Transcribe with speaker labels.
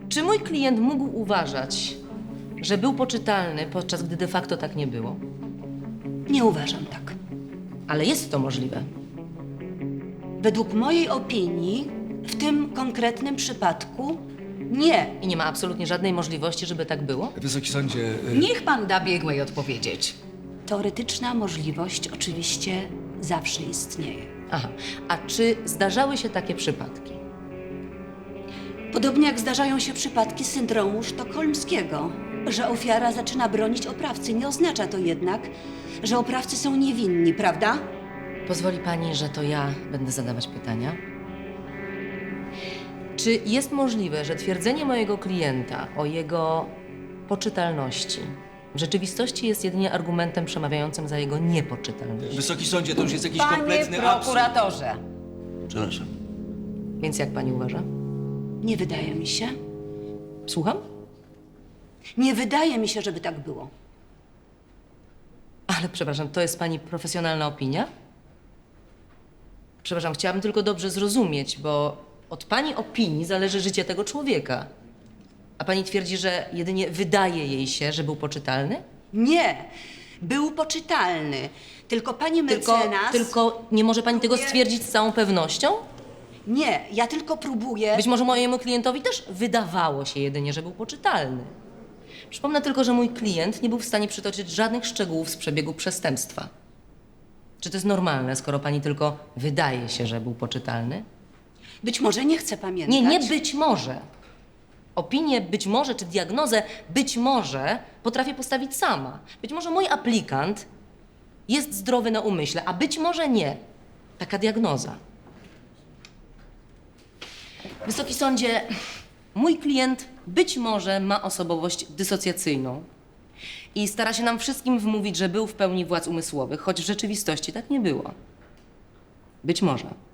Speaker 1: Czy mój klient mógł uważać, że był poczytalny, podczas gdy de facto tak nie było?
Speaker 2: Nie uważam tak.
Speaker 1: Ale jest to możliwe.
Speaker 2: Według mojej opinii, w tym konkretnym przypadku, nie.
Speaker 1: I nie ma absolutnie żadnej możliwości, żeby tak było?
Speaker 3: Wysoki sądzie,
Speaker 4: Niech pan da biegłej odpowiedzieć.
Speaker 2: Teoretyczna możliwość oczywiście zawsze istnieje.
Speaker 1: Aha. A czy zdarzały się takie przypadki?
Speaker 2: Podobnie jak zdarzają się przypadki syndromu sztokholmskiego, że ofiara zaczyna bronić oprawcy. Nie oznacza to jednak, że oprawcy są niewinni, prawda?
Speaker 1: Pozwoli pani, że to ja będę zadawać pytania? Czy jest możliwe, że twierdzenie mojego klienta o jego poczytalności w rzeczywistości jest jedynie argumentem przemawiającym za jego niepoczytalność?
Speaker 3: wysoki sądzie, to już jest jakiś
Speaker 4: Panie
Speaker 3: kompletny absurd.
Speaker 4: prokuratorze,
Speaker 3: Przepraszam.
Speaker 1: Więc jak pani uważa?
Speaker 2: Nie wydaje mi się.
Speaker 1: Słucham?
Speaker 2: Nie wydaje mi się, żeby tak było.
Speaker 1: Ale przepraszam, to jest pani profesjonalna opinia? Przepraszam, chciałabym tylko dobrze zrozumieć, bo od pani opinii zależy życie tego człowieka. A pani twierdzi, że jedynie wydaje jej się, że był poczytalny?
Speaker 2: Nie. Był poczytalny. Tylko pani mecenas...
Speaker 1: Tylko nie może pani tego
Speaker 2: Próbuję-
Speaker 1: stwierdzić z całą pewnością?
Speaker 2: Nie, ja tylko próbuję...
Speaker 1: Być może mojemu klientowi też wydawało się jedynie, że był poczytalny. Przypomnę tylko, że mój klient nie był w stanie przytoczyć żadnych szczegółów z przebiegu przestępstwa. Czy to jest normalne, skoro pani tylko wydaje się, że był poczytalny?
Speaker 2: Być może nie chcę pamiętać.
Speaker 1: Nie być może. Opinię być może, czy diagnozę być może potrafię postawić sama. Być może mój aplikant jest zdrowy na umyśle, a być może nie. Taka diagnoza. Wysoki sądzie, mój klient być może ma osobowość dysocjacyjną i stara się nam wszystkim wmówić, że był w pełni władz umysłowych, choć w rzeczywistości tak nie było. Być może.